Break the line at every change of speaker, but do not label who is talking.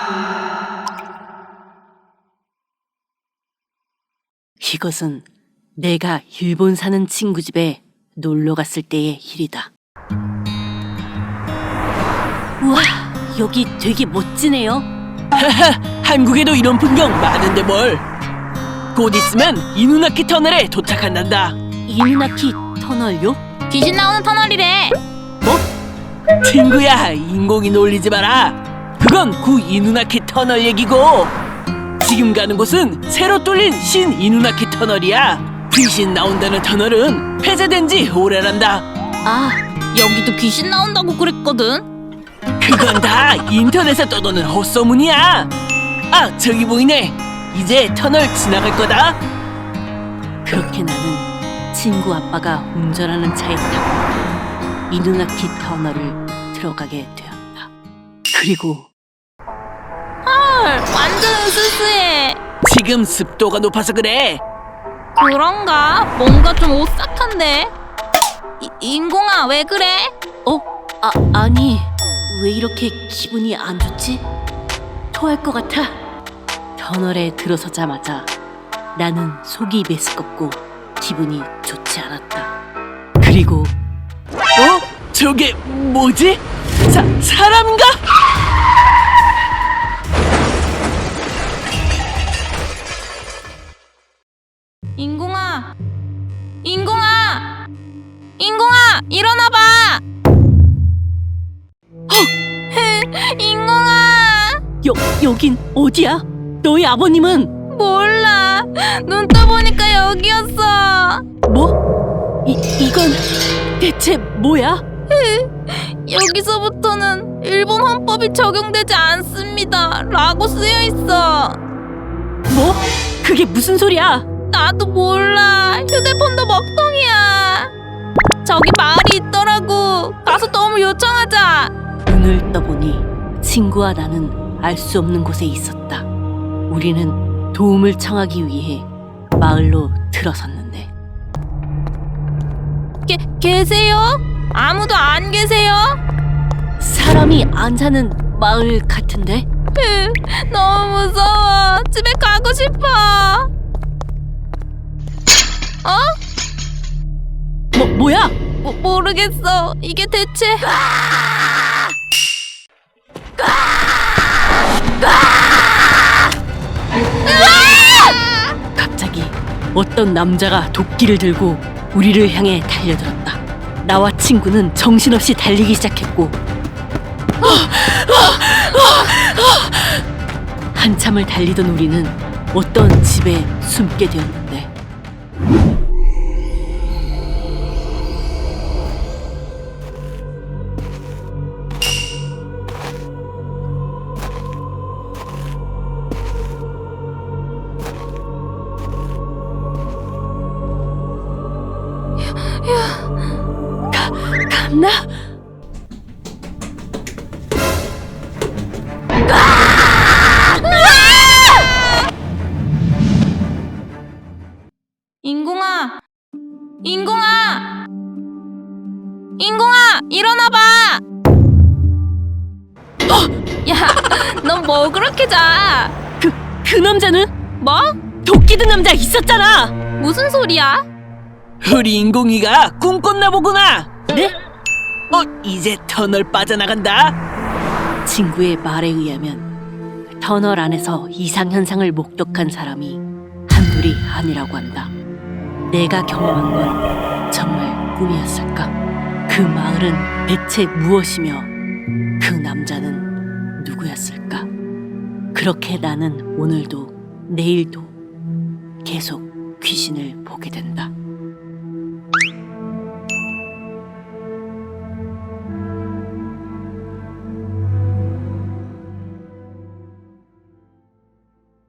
이것은 내가 일본 사는 친구 집에 놀러 갔을 때의 일이다. 우와, 여기 되게 멋지네요.
하하, 한국에도 이런 풍경 많은데 뭘. 곧 있으면 이누나키 터널에 도착한단다.
이누나키 터널요?
귀신 나오는 터널이래.
친구야, 인공이 놀리지 마라. 그건 구 이누나키 터널 얘기고, 지금 가는 곳은 새로 뚫린 신 이누나키 터널이야. 귀신 나온다는 터널은 폐쇄된 지 오래란다.
아, 여기도 귀신 나온다고 그랬거든.
그건 다 인터넷에 떠도는 헛소문이야. 아, 저기 보이네. 이제 터널 지나갈 거다.
그렇게 나는 친구 아빠가 운전하는 차에 타고 이누나키 터널을 들어가게 되었다. 그리고
헐, 완전 으스스해.
지금 습도가 높아서 그래.
그런가? 뭔가 좀 오싹한데. 인공아, 왜 그래?
아니, 왜 이렇게 기분이 안 좋지? 토할 것 같아. 터널에 들어서자마자 나는 속이 메스껍고 기분이 좋지 않았다. 그리고
저게 뭐지? 사람인가?
인공아, 인공아, 인공아, 일어나봐. 인공아.
여긴 어디야? 너희 아버님은?
몰라. 눈 떠보니까 여기였어.
뭐? 이건 대체 뭐야?
여기서부터는 일본 헌법이 적용되지 않습니다 라고 쓰여있어.
뭐? 그게 무슨 소리야?
나도 몰라. 휴대폰도 먹통이야. 저기 마을이 있더라고. 가서 도움을 요청하자.
눈을 떠보니 친구와 나는 알 수 없는 곳에 있었다. 우리는 도움을 청하기 위해 마을로 들어섰는데
계세요? 아무도 안 계세요?
사람이 안 사는 마을 같은데?
너무 무서워. 집에 가고 싶어.
뭐야?
모르겠어. 이게 대체.
갑자기 어떤 남자가 도끼를 들고 우리를 향해 달려들었다. 나와 친구는 정신없이 달리기 시작했고 한참을 달리던 우리는 어떤 집에 숨게 되었는데 갔나?
인공아, 인공아, 인공아, 일어나봐. 야, 넌 뭐 그렇게 자?
그 남자는?
뭐?
도끼 든 남자 있었잖아.
무슨 소리야?
우리 인공이가 꿈꿨나 보구나.
네?
이제 터널 빠져나간다.
친구의 말에 의하면 터널 안에서 이상현상을 목격한 사람이 한둘이 아니라고 한다. 내가 경험한 건 정말 꿈이었을까? 그 마을은 대체 무엇이며 그 남자는 누구였을까? 그렇게 나는 오늘도 내일도 계속 귀신을 보게 된다.